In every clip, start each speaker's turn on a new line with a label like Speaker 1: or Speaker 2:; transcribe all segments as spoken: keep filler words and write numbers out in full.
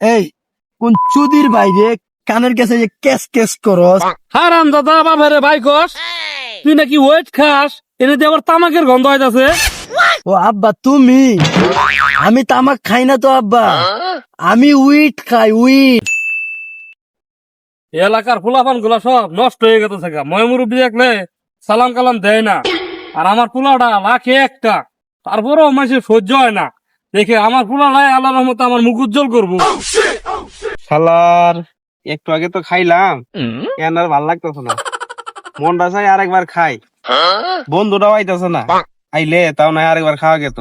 Speaker 1: এই কোন চুদির বাইরে কানের কাছে যে কেস কেস করস।
Speaker 2: হারাম দাদা বাবারে ভাই কস তুই নাকি ওয়েট খাস এনে দিয়ে আবার তামাকের গন্ধ হইতাছে।
Speaker 1: ও আব্বা তুমি, আমি তামাক খাই না তো আব্বা, আমি উইট খাই উইট।
Speaker 2: এলাকার ফুলাফান গুলা সব নষ্ট হয়ে গেছে গা। ময় মুরব্বী দেখলে সালাম কালাম দেয় না, আর আমার পোলাটা লাখে একটা, তারপরেও মানুষের সহ্য হয় না দেখে আমার পোলাটাই আল্লাহ রহমতে আমার মুখ উজ্জ্বল করবো।
Speaker 3: শালার একটু আগে তো খাইলাম, কেন আর ভাল লাগতেছে না, মনটা চাই আরেকবার খাই। বন্ধুটাও আইতেছে না, আইলে তাও না আরেকবার খাওয়া গেত।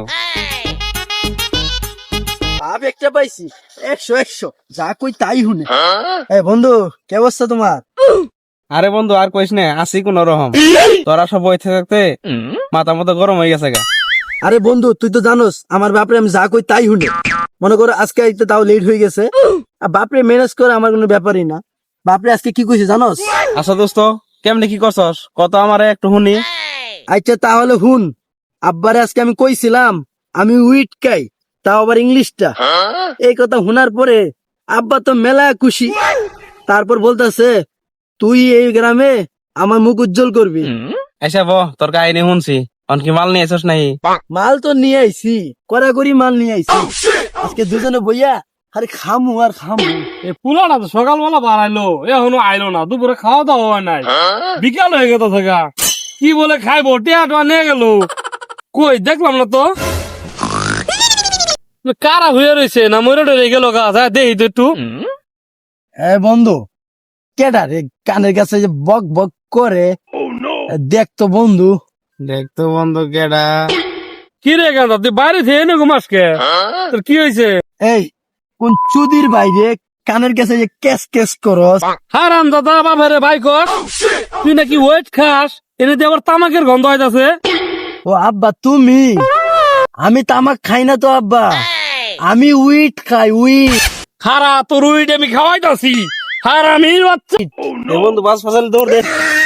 Speaker 1: আব একটা পাইছি একশো একশো, যা কই তাই শুনে। এই বন্ধু কে অবস্থা তোমার?
Speaker 3: আরে বন্ধু আর কইস না, আসি কোন রকম। তোরা সব বইতে থাকতে মাথা মতো গরম হয়ে গেছে গা।
Speaker 1: আরে বন্ধু তুই তো জানোস আমার বাপরে আমি যা কই তাই শুনে। মনে করো আজকে আইতে তাও লেট হয়ে গেছে, আর বাপরে ম্যানেজ করে আমার কোনো ব্যাপারই না। বাপরে আজকে কি কইছে জানোস?
Speaker 3: আচ্ছা দোস্ত কেমনে কি করছস কত আমারে একটু শুনি।
Speaker 1: আচ্ছা তাহলে হুন, আব্বারে আজকে আমি কইছিলাম আমি উইট খাই, তাও আবার ইংলিশটা। এই কথা শোনার পরে আব্বা তো মেলা খুশি। তারপর বলতেছে তুই এই গ্রামে আমার মুখ উজ্জ্বল করবি।
Speaker 3: আচ্ছা বহ তোর কাহিনী শুনছি, অনকি মাল নিয়ে আসছ নাই?
Speaker 1: মাল তো নিয়ে আইছি, কড়াকড়ি মাল নিয়ে আইছি। আজকে দুজনে বইয়া আরে খামু আর খামু।
Speaker 2: এই পোলাটা তো সকালবেলা বাড়াইলো, এখনো আইলো না, দুপুরে খাওয়া দাওয়া হয় নাই, বিকাল হয়ে গেছে গা। কি বলে খাইবো, টিয়া টোয়া নিয়ে গেল কই দেখলাম না তো। কারা হয়ে রয়েছে না মরে টরে গেল গা, যা দেখি তো একটু।
Speaker 1: এ বন্ধু কেডা রে কানের কাছে যে বক বক করে, দেখতো বন্ধু।
Speaker 3: দেখতো বন্ধু কেডা?
Speaker 2: কি রে গান্ধা তুই বাইরে থেকে এনে ঘুমাসকে, তোর কি হয়েছে?
Speaker 1: এই কোন চুদির বাইরে কানের কাছে যে কেস কেস করস।
Speaker 2: হারাম দাদা বাবারে ভাই কস তুই নাকি ওয়েট খাস এনে দিয়ে আবার তামাকের গন্ধ হইতাছে।
Speaker 1: ও আব্বা তুমি, আমি তামাক খাই না তো আব্বা, আমি উইট খাই উইট।
Speaker 2: হারা তোর উইট আমি খাওয়াইতাছি, হারামির বাচ্চা।
Speaker 3: এ বন্ধু বাস ফাসালে দৌড় দে।